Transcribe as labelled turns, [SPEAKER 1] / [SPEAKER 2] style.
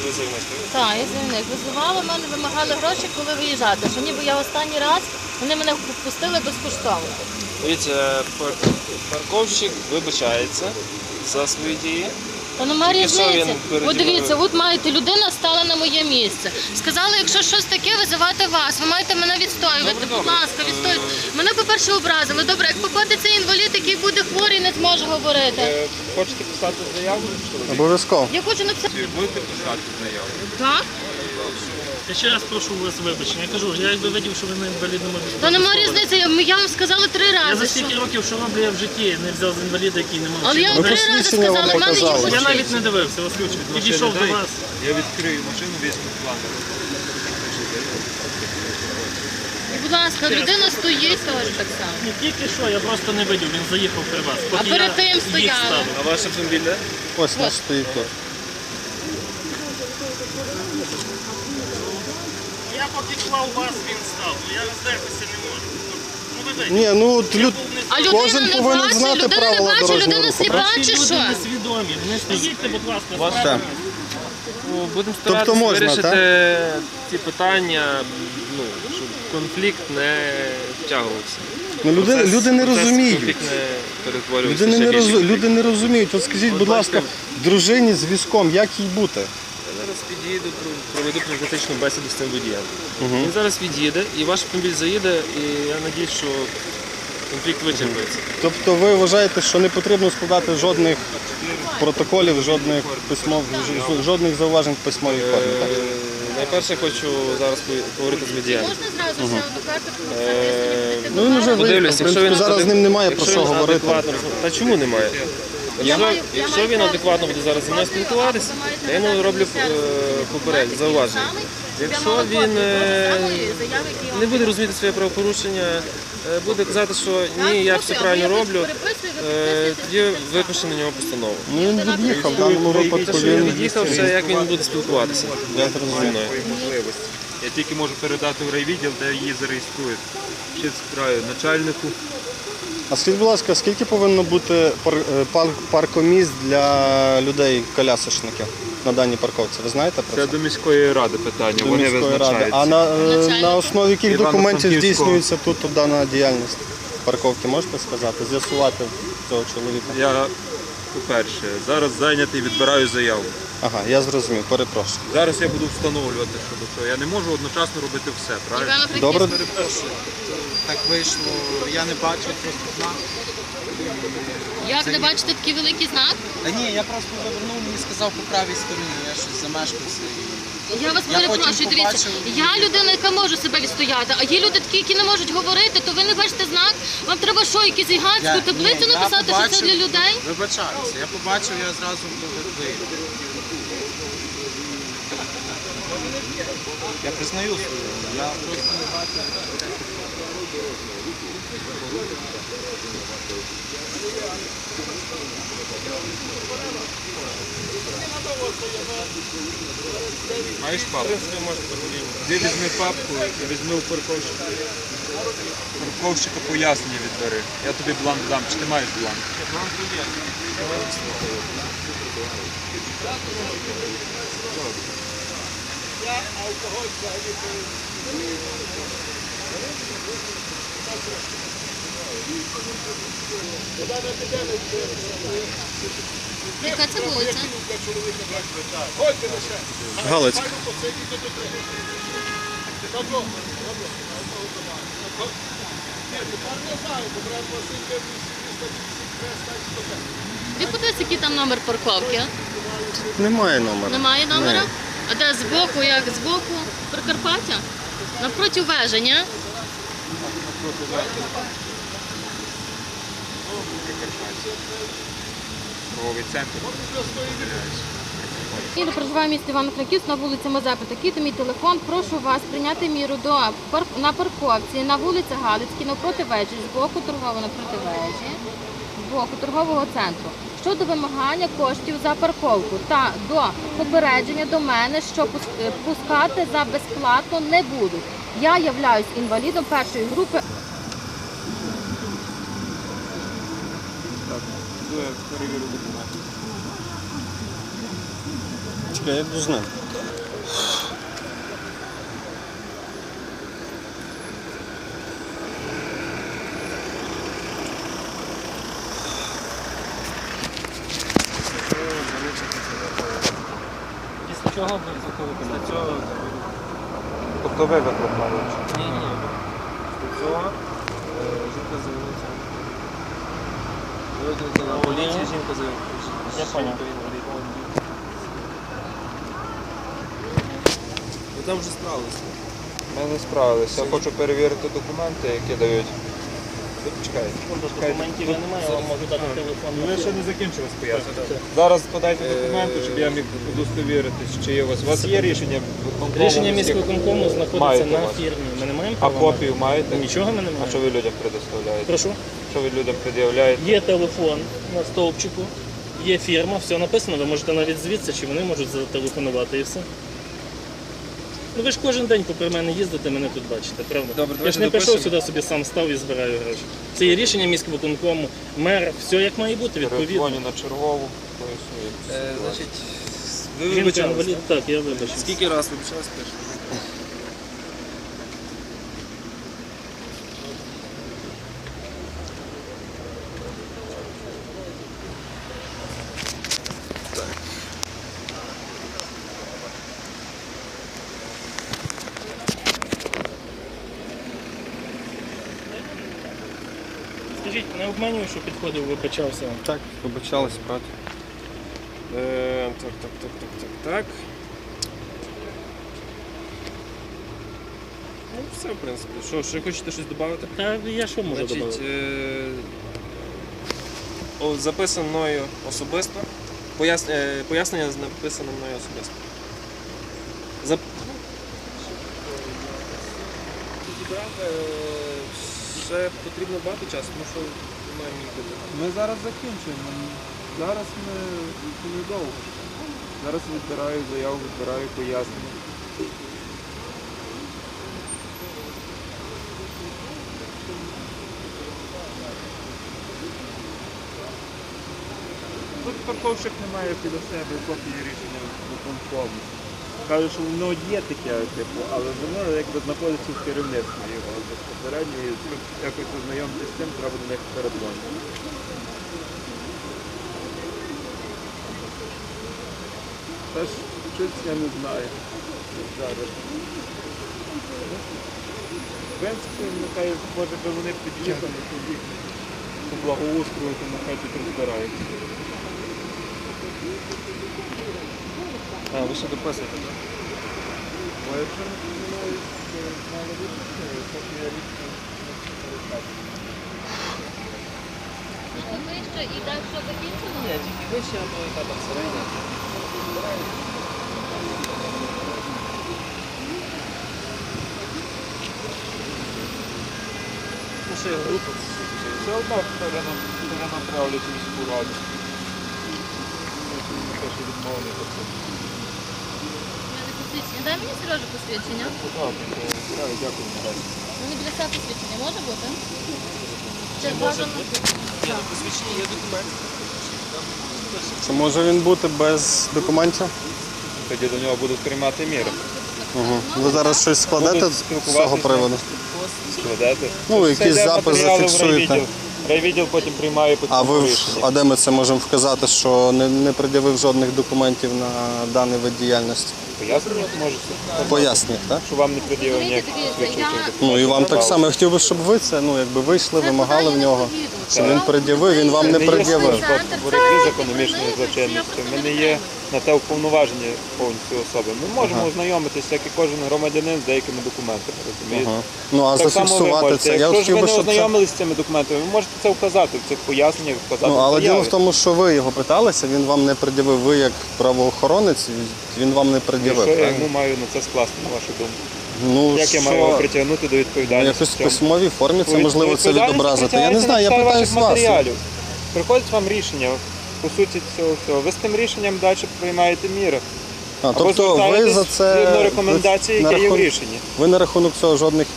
[SPEAKER 1] ви заявник?
[SPEAKER 2] Так, я заявник. Визивали, мене вимагали гроші, коли виїжджати. Що ніби я останній раз, вони мене впустили безкоштовно.
[SPEAKER 1] Дивіться, парковщик вибачається за свої дії.
[SPEAKER 2] Та нема різниці.
[SPEAKER 1] Він
[SPEAKER 2] От дивіться, от маєте, людина стала на моє місце. Сказали, якщо щось таке, визивати вас. Ви маєте мене відстоювати. Будь ласка, відстоюйте. Мене, по-перше, образили. Добре, як попадеться інвалід, який буде хворий, не зможе говорити.
[SPEAKER 1] Хочете писати заяву?
[SPEAKER 3] Обов'язково.
[SPEAKER 2] Я хочу написати.
[SPEAKER 1] Будете писати заяву?
[SPEAKER 2] Так?
[SPEAKER 4] Я ще раз прошу у вас вибачення. Я кажу, я якби видів, що ви на інвалідному візку.
[SPEAKER 2] Та нема різниці, я вам сказала 3 рази.
[SPEAKER 4] Я за стільки років, що роблю, я в житті не взяв з інваліда, який не мав.
[SPEAKER 2] Але я вам 3 рази
[SPEAKER 3] посвідчення вам
[SPEAKER 2] сказала, в мене є
[SPEAKER 3] показали.
[SPEAKER 4] Я
[SPEAKER 2] посвідчення.
[SPEAKER 4] навіть не дивився, вас підійшов до вас.
[SPEAKER 1] Я відкрию машину, візьму план.
[SPEAKER 2] І, будь ласка, людина стоїть теж так само.
[SPEAKER 4] Не тільки що, я просто не видів, він заїхав при вас.
[SPEAKER 2] А
[SPEAKER 4] Поки
[SPEAKER 2] перед
[SPEAKER 4] я
[SPEAKER 2] тим
[SPEAKER 4] їх
[SPEAKER 2] стояли.
[SPEAKER 4] ставив.
[SPEAKER 1] А ваш автомобіль де?
[SPEAKER 3] Ось наш стоїть тут.
[SPEAKER 4] Я поки клав вас, він став. Я роздертися не можу. Ну, ви
[SPEAKER 3] Ні, ну от
[SPEAKER 2] А людина
[SPEAKER 3] кожен
[SPEAKER 2] не
[SPEAKER 3] повинен
[SPEAKER 2] бачить,
[SPEAKER 3] знати
[SPEAKER 2] людина не
[SPEAKER 3] правила
[SPEAKER 2] бачить,
[SPEAKER 3] дорожнього
[SPEAKER 2] людина
[SPEAKER 3] руху.
[SPEAKER 2] сліпа
[SPEAKER 4] Ці
[SPEAKER 2] чи
[SPEAKER 4] люди
[SPEAKER 2] що?
[SPEAKER 4] несвідомі. Не стоїть, будь ласка,
[SPEAKER 1] Вас
[SPEAKER 3] Так.
[SPEAKER 1] Будемо
[SPEAKER 3] Тобто
[SPEAKER 1] старатися
[SPEAKER 3] можна,
[SPEAKER 1] вирішити ці питання, щоб конфлікт не втягувався.
[SPEAKER 3] Ну, люди не розуміють.
[SPEAKER 1] Конфлікт не перетворювався ще більше.
[SPEAKER 3] Люди не розуміють. От скажіть, будь ласка, дружині з візком, як їй бути?
[SPEAKER 1] Я зараз під'їду, проведу профілактичну бесіду з цим водієм. Він зараз від'їде, і ваш автомобіль заїде, і я сподіваюся, що конфлікт вичерпається.
[SPEAKER 3] Тобто ви вважаєте, що не потрібно складати жодних протоколів, жодних зауважень в письмовій формі? Так?
[SPEAKER 1] Найперше хочу зараз поговорити з водієм.
[SPEAKER 2] Можна зразу ще одну карту записати?
[SPEAKER 3] Ну він вже
[SPEAKER 1] Подивлюсь,
[SPEAKER 3] виїхав. В принципі, зараз з ним немає про що говорити.
[SPEAKER 1] Та чому немає? Якщо він адекватно буде зараз зі мною спілкуватися, я йому роблю зауваження. Якщо він не буде розуміти своє правопорушення, буде казати, що ні, я все правильно роблю, тоді випише на нього постанову.
[SPEAKER 3] Ну він від'їхав, в даному випадку
[SPEAKER 1] Те, що він
[SPEAKER 3] він
[SPEAKER 1] від'їхав, це як він буде спілкуватися
[SPEAKER 3] Я
[SPEAKER 1] зі
[SPEAKER 3] зрозумів.
[SPEAKER 1] мною.
[SPEAKER 5] Я тільки можу передати в райвідділ, де її зареєструють. Ще справи начальнику.
[SPEAKER 3] А скажіть, будь ласка, скільки повинно бути паркомісць для людей-колясочників на даній парковці? Ви знаєте про
[SPEAKER 5] Це
[SPEAKER 3] це?
[SPEAKER 5] до міської ради питання,
[SPEAKER 3] До
[SPEAKER 5] вони
[SPEAKER 3] міської ради.
[SPEAKER 5] визначаються.
[SPEAKER 3] А на основі яких документів
[SPEAKER 5] Івано-Франківського.
[SPEAKER 3] здійснюється тут дана діяльність парковки, можете сказати? З'ясувати цього чоловіка?
[SPEAKER 5] Я, по-перше, зараз зайнятий, відбираю заяву.
[SPEAKER 3] Ага, я зрозумів, перепрошую.
[SPEAKER 5] Зараз я буду встановлювати щодо цього. Я не можу одночасно робити все, правильно?
[SPEAKER 3] Добре?
[SPEAKER 6] Так вийшло, я не бачив просто знак.
[SPEAKER 2] Як не бачите такий великий знак?
[SPEAKER 6] Та ні, я просто завернув, мені сказав по правій стороні, я щось замешкався.
[SPEAKER 2] Я вас
[SPEAKER 6] Я
[SPEAKER 2] перепрошую,
[SPEAKER 6] потім
[SPEAKER 2] дивіться,
[SPEAKER 6] побачив.
[SPEAKER 2] я людина, яка може себе відстояти, а є люди такі, які не можуть говорити, то ви не бачите знак, вам треба що, якусь гігантську таблицю написати, що це для людей?
[SPEAKER 6] Вибачаюся, я побачив, я зразу виїхав. Я признаю свою, я просто не бачив.
[SPEAKER 5] Маєш папку? Де візьми папку і візьми у парковщика. Парковщика пояснення відбери. Я тобі бланк дам. Чи ти маєш бланк?
[SPEAKER 2] Яка це вулиця?
[SPEAKER 3] Галицька.
[SPEAKER 2] Ви подивіться, який там номер парковки?
[SPEAKER 3] Немає номера.
[SPEAKER 2] Немає номера?
[SPEAKER 3] Ні.
[SPEAKER 2] А де збоку, як збоку? Прикарпаття? Навпроти вежі, ні?
[SPEAKER 5] Правовий центр.
[SPEAKER 2] Я проживаю в місті Івано-Франківськ на вулиці Мазепи. Такий мій телефон. Прошу вас прийняти міру на парковці на вулиці Галицькій, навпроти вежі, з боку торгового напроти вежі, з боку торгового центру. Щодо вимагання коштів за парковку та до попередження до мене, що пускати за безплатно не будуть. Я являюсь інвалідом першої групи.
[SPEAKER 3] Чекай, я йду з ним.
[SPEAKER 1] чого після цього?
[SPEAKER 5] Тобто ви викликали?
[SPEAKER 1] Ні. Після цього жінка з'явилася. Викликала поліцію, жінка з'явилася.
[SPEAKER 6] Я поняв.
[SPEAKER 1] Ви там вже справилися.
[SPEAKER 5] Ми не справилися. Я хочу перевірити документи, які дають. Чекайте.
[SPEAKER 6] Документів я не маю, я вам можу дати телефон.
[SPEAKER 5] Ви ще не закінчили пояснення. Зараз подайте документи, щоб я міг удостовіритись, чи є у вас. У вас є рішення виконкому?
[SPEAKER 6] Рішення міськвиконкому знаходиться
[SPEAKER 5] Маєте
[SPEAKER 6] на
[SPEAKER 5] у вас?
[SPEAKER 6] фірмі. Ми не маємо
[SPEAKER 5] А
[SPEAKER 6] права.
[SPEAKER 5] копію маєте?
[SPEAKER 6] Нічого ми не
[SPEAKER 5] А
[SPEAKER 6] маємо.
[SPEAKER 5] що ви людям предоставляєте?
[SPEAKER 6] Прошу.
[SPEAKER 5] Що ви людям пред'являєте?
[SPEAKER 6] Є телефон на стовпчику, є фірма, все написано, ви можете навіть звідси, чи вони можуть зателефонувати і все. Ну ви ж кожен день попри мене їздите, мене тут бачите, правда?
[SPEAKER 1] Добре,
[SPEAKER 6] Я ж
[SPEAKER 1] давайте
[SPEAKER 6] не прийшов
[SPEAKER 1] допишемо.
[SPEAKER 6] сюди, собі сам став і збираю гроші. Це є рішення міськвиконкому, мер, все як має бути, відповідно.
[SPEAKER 5] Передзвоню на чергову, пояснюю.
[SPEAKER 1] Значить, ви
[SPEAKER 6] Жінка
[SPEAKER 1] вибачалися.
[SPEAKER 6] інвалід, так, я вибачив.
[SPEAKER 1] Скільки раз вибачалися перше?
[SPEAKER 6] Скажіть, не обманюю, що підходив, вибачався.
[SPEAKER 3] Так, вибачались, правда.
[SPEAKER 1] Так. Ну, все, в принципі. Що, ще хочете щось додати?
[SPEAKER 6] Та я що можу
[SPEAKER 1] Значить,
[SPEAKER 6] додати?
[SPEAKER 1] записано мною особисто. Пояснення написано мною особисто. Ще потрібно багато часу, тому що немає нікуди.
[SPEAKER 5] Ми зараз закінчуємо. Зараз ми недовго. Зараз відбираю заяву, відбираю пояснення. Тут парковщик не має біля себе копії рішення виконкому. Каже, що воно є таке, типу, але воно якби знаходиться в керівництві його безпосередньо, і щоб якось ознайомитися з цим, треба до них передзвонити. Теж щось я не знаю. Зараз. В принципі, нехай, може би вони під'їхали тоді по благоустрою, то нехай тут розбираються.
[SPEAKER 1] А, ви ще дописуєте, так?
[SPEAKER 5] А якщо не помиляюсь, то мало бути, поки я рішення не передбачу.
[SPEAKER 2] Вище і далі що закінчено?
[SPEAKER 1] Ні, тільки вище, а то яка там середня. Ну, ще група.
[SPEAKER 5] Все одно перенаправлять міську раду. Те, що відмовлять оце.
[SPEAKER 2] Посвідчення. Дай мені, Сережа, посвідчення.
[SPEAKER 5] Дякую.
[SPEAKER 2] Мені біля себе посвідчення може бути? Це
[SPEAKER 1] Може
[SPEAKER 2] бажано.
[SPEAKER 1] бути. Ні, на посвідченні є документ.
[SPEAKER 3] Чи може він бути без документів?
[SPEAKER 5] Тоді до нього будуть приймати міри.
[SPEAKER 3] Угу. Ви зараз щось складете
[SPEAKER 5] Будуть
[SPEAKER 3] з
[SPEAKER 5] спілкуватися
[SPEAKER 3] цього
[SPEAKER 5] з
[SPEAKER 3] приводу?
[SPEAKER 5] Складати.
[SPEAKER 3] Ну, якийсь запис зафіксуєте.
[SPEAKER 5] Райвідділ потім приймає по
[SPEAKER 3] А
[SPEAKER 5] цьому
[SPEAKER 3] ви
[SPEAKER 5] рішення.
[SPEAKER 3] а де ми це можемо вказати, що не пред'явив жодних документів на даний вид діяльності?
[SPEAKER 5] Пояснення можете?
[SPEAKER 3] Поясніть, так?
[SPEAKER 5] Що вам не пред'явив
[SPEAKER 2] Розумієте,
[SPEAKER 5] ніяких
[SPEAKER 2] дивіться,
[SPEAKER 5] свідчень.
[SPEAKER 3] Ну і вам так само. Я хотів би, щоб ви це, ну якби вийшли, вимагали в нього, щоб він пред'явив, він вам не пред'явив.
[SPEAKER 5] В боротьбі з економічною злочинністю. Ми не є на те уповноважені повністю особи. Ми можемо ознайомитися, як і кожен громадянин, з деякими документами. Розумієте?
[SPEAKER 3] Ага. Ну а
[SPEAKER 5] Так само ви
[SPEAKER 3] зафіксувати
[SPEAKER 5] можете.
[SPEAKER 3] це. Я
[SPEAKER 5] Якщо ж
[SPEAKER 3] хотів
[SPEAKER 5] ви
[SPEAKER 3] би,
[SPEAKER 5] не
[SPEAKER 3] щоб це.
[SPEAKER 5] ознайомилися з цими документами, ви можете це вказати в цих поясненнях, вказати
[SPEAKER 3] Ну
[SPEAKER 5] в
[SPEAKER 3] але діло
[SPEAKER 5] заяві.
[SPEAKER 3] в тому, що ви його питалися, він вам не пред'явив. Ви як правоохоронець, він вам не
[SPEAKER 5] І
[SPEAKER 3] пред'явив.
[SPEAKER 5] що я
[SPEAKER 3] правильно?
[SPEAKER 5] йому маю на це скласти, на вашу думку?
[SPEAKER 3] Ну
[SPEAKER 5] Як я маю його
[SPEAKER 3] що,
[SPEAKER 5] притягнути до
[SPEAKER 3] ну,
[SPEAKER 5] відповідальності?
[SPEAKER 3] якось
[SPEAKER 5] в
[SPEAKER 3] в
[SPEAKER 5] цьому?
[SPEAKER 3] письмовій формі це можливо це
[SPEAKER 5] Відповідальність
[SPEAKER 3] відобразити. Я не
[SPEAKER 5] притягується
[SPEAKER 3] знаю, я
[SPEAKER 5] на
[SPEAKER 3] питаю
[SPEAKER 5] підставі
[SPEAKER 3] з вас.
[SPEAKER 5] ваших матеріалів. Приходить вам рішення, по суті цього всього. Ви з тим рішенням далі приймаєте міри.
[SPEAKER 3] А,
[SPEAKER 5] Або
[SPEAKER 3] тобто ви
[SPEAKER 5] звертаєтесь
[SPEAKER 3] за це
[SPEAKER 5] згідно рекомендацій,
[SPEAKER 3] на
[SPEAKER 5] які є в
[SPEAKER 3] рахунок-
[SPEAKER 5] рішенні.
[SPEAKER 3] Ви на рахунок цього жодних